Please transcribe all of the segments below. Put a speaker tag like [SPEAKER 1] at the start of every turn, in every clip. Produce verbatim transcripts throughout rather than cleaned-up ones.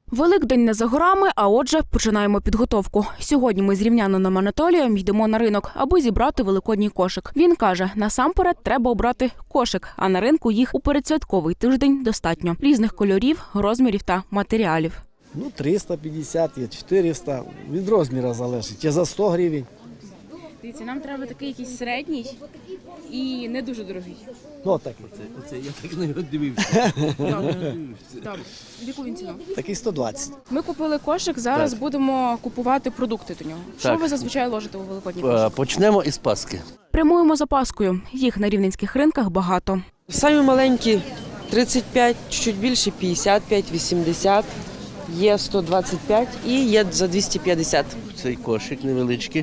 [SPEAKER 1] Великдень не за горами, а отже, починаємо підготовку. Сьогодні ми з рівнянином Анатолієм йдемо на ринок, аби зібрати великодній кошик. Він каже, насамперед треба обрати кошик, а на ринку їх у передсвятковий тиждень достатньо. Різних кольорів, розмірів та матеріалів.
[SPEAKER 2] Ну, триста п'ятдесят, є чотириста, від розміру залежить, є за сто гривень.
[SPEAKER 3] Дивіться, нам треба такий якийсь середній і не дуже дорогий.
[SPEAKER 2] Ну, такий.
[SPEAKER 4] Оце, оце я так не дивився.
[SPEAKER 3] Добре. Яку він ціну?
[SPEAKER 2] Такий сто двадцять.
[SPEAKER 3] Ми купили кошик, зараз
[SPEAKER 4] Так.
[SPEAKER 3] будемо купувати продукти до нього. Що
[SPEAKER 4] Так.
[SPEAKER 3] ви зазвичай ложите у великодній
[SPEAKER 4] Е,
[SPEAKER 3] кошик?
[SPEAKER 4] Почнемо із Пасхи.
[SPEAKER 1] Прямуємо за Паскою. Їх на рівненських ринках багато.
[SPEAKER 5] Самі маленькі тридцять п'ять, чуть більше п'ятдесят п'ять, вісімдесят, є сто двадцять п'ять і є за двісті п'ятдесят.
[SPEAKER 4] Цей кошик невеличкий.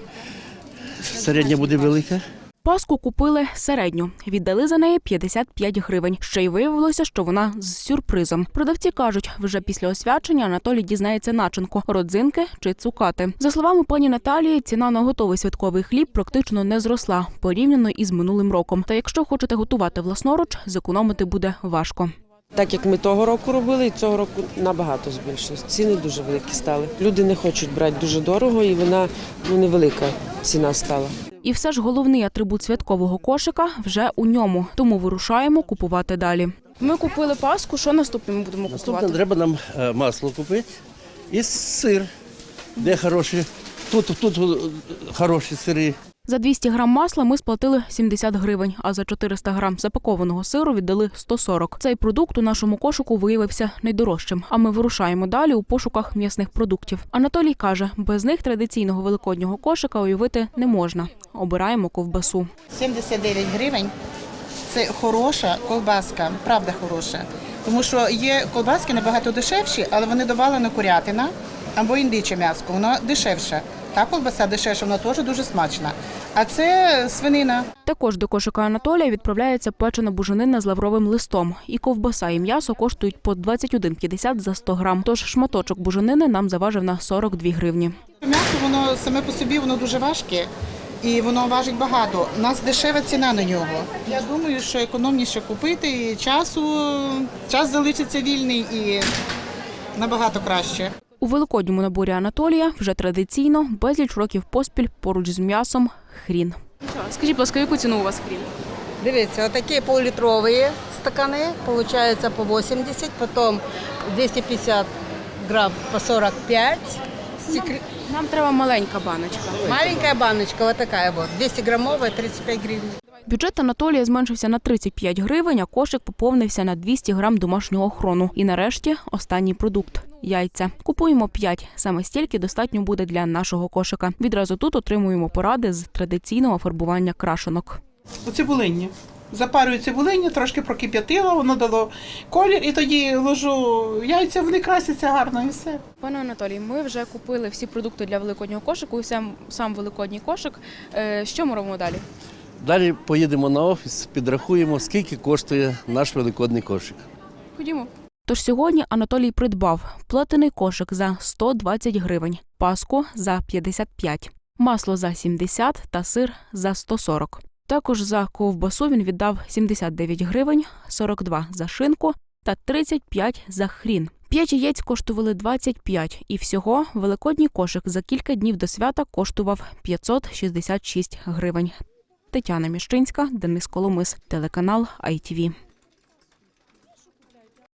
[SPEAKER 4] Середня буде велика.
[SPEAKER 1] Паску купили середню. Віддали за неї п'ятдесят п'ять гривень. Ще й виявилося, що вона з сюрпризом. Продавці кажуть, вже після освячення Анатолій дізнається начинку – родзинки чи цукати. За словами пані Наталії, ціна на готовий святковий хліб практично не зросла, порівняно із минулим роком. Та якщо хочете готувати власноруч, зекономити буде важко.
[SPEAKER 5] Так як ми того року робили, і цього року набагато збільшилось. Ціни дуже великі стали. Люди не хочуть брати дуже дорого, і вона ну, невелика ціна стала.
[SPEAKER 1] І все ж головний атрибут святкового кошика вже у ньому. Тому вирушаємо купувати далі.
[SPEAKER 3] Ми купили паску, що наступне ми будемо
[SPEAKER 4] Наступне
[SPEAKER 3] купувати?
[SPEAKER 4] треба нам е, масло купити і сир. Де хороші? Тут, тут е, хороші сири.
[SPEAKER 1] За двісті грам масла ми сплатили сімдесят гривень, а за чотириста грам запакованого сиру віддали сто сорок. Цей продукт у нашому кошику виявився найдорожчим, а ми вирушаємо далі у пошуках м'ясних продуктів. Анатолій каже, без них традиційного великоднього кошика уявити не можна. Обираємо ковбасу.
[SPEAKER 6] сімдесят дев'ять гривень – це хороша ковбаска, правда хороша. Тому що є ковбаски набагато дешевші, але вони добавлена курятина або індиче м'ясо, воно дешевше. Та ковбаса дешевша, вона теж дуже смачна. А це свинина.
[SPEAKER 1] Також до кошика Анатолія відправляється печена буженина з лавровим листом. І ковбаса, і м'ясо коштують по двадцять один п'ятдесят за сто грам. Тож шматочок буженини нам заважив на сорок дві гривні.
[SPEAKER 6] М'ясо, воно саме по собі, воно дуже важке. І воно важить багато. У нас дешева ціна на нього. Я думаю, що економніше купити, і часу, час залишиться вільний і набагато краще.
[SPEAKER 1] У великодньому наборі Анатолія вже традиційно безліч років поспіль поруч з м'ясом хрін.
[SPEAKER 3] Скажіть, будь ласка, яку ціну у вас хрін?
[SPEAKER 7] Дивіться, отакі пол-літрові стакани, получается по вісімдесят, потім двісті п'ятдесят грамм по сорок п'ять. Секрет...
[SPEAKER 3] Нам треба маленька баночка.
[SPEAKER 7] Маленькая баночка, вот такая вот, двісті граммовая, тридцять п'ять гривен.
[SPEAKER 1] Бюджет Анатолія зменшився на тридцять п'ять гривень, а кошик поповнився на двісті грам домашнього охорону. І нарешті останній продукт – яйця. Купуємо п'ять. Саме стільки достатньо буде для нашого кошика. Відразу тут отримуємо поради з традиційного фарбування крашенок.
[SPEAKER 8] У цибулинні. Запарюю цибулиння, трошки прокип'ятила, воно дало колір, і тоді ложу яйця, вони красяться гарно і все.
[SPEAKER 3] Пане Анатолій, ми вже купили всі продукти для великоднього кошику, і сам, сам великодній кошик. Е, Що ми робимо далі?
[SPEAKER 4] Далі поїдемо на офіс, підрахуємо, скільки коштує наш великодний кошик.
[SPEAKER 3] Ходімо.
[SPEAKER 1] Тож сьогодні Анатолій придбав плетений кошик за сто двадцять гривень, паску за п'ятдесят п'ять, масло за сімдесят та сир за сто сорок. Також за ковбасу він віддав сімдесят дев'ять гривень, сорок два за шинку та тридцять п'ять за хрін. П'ять яєць коштували двадцять п'ять, і всього великодній кошик за кілька днів до свята коштував п'ятсот шістдесят шість гривень. Тетяна Міщинська, Денис Коломис, телеканал ай ті ві.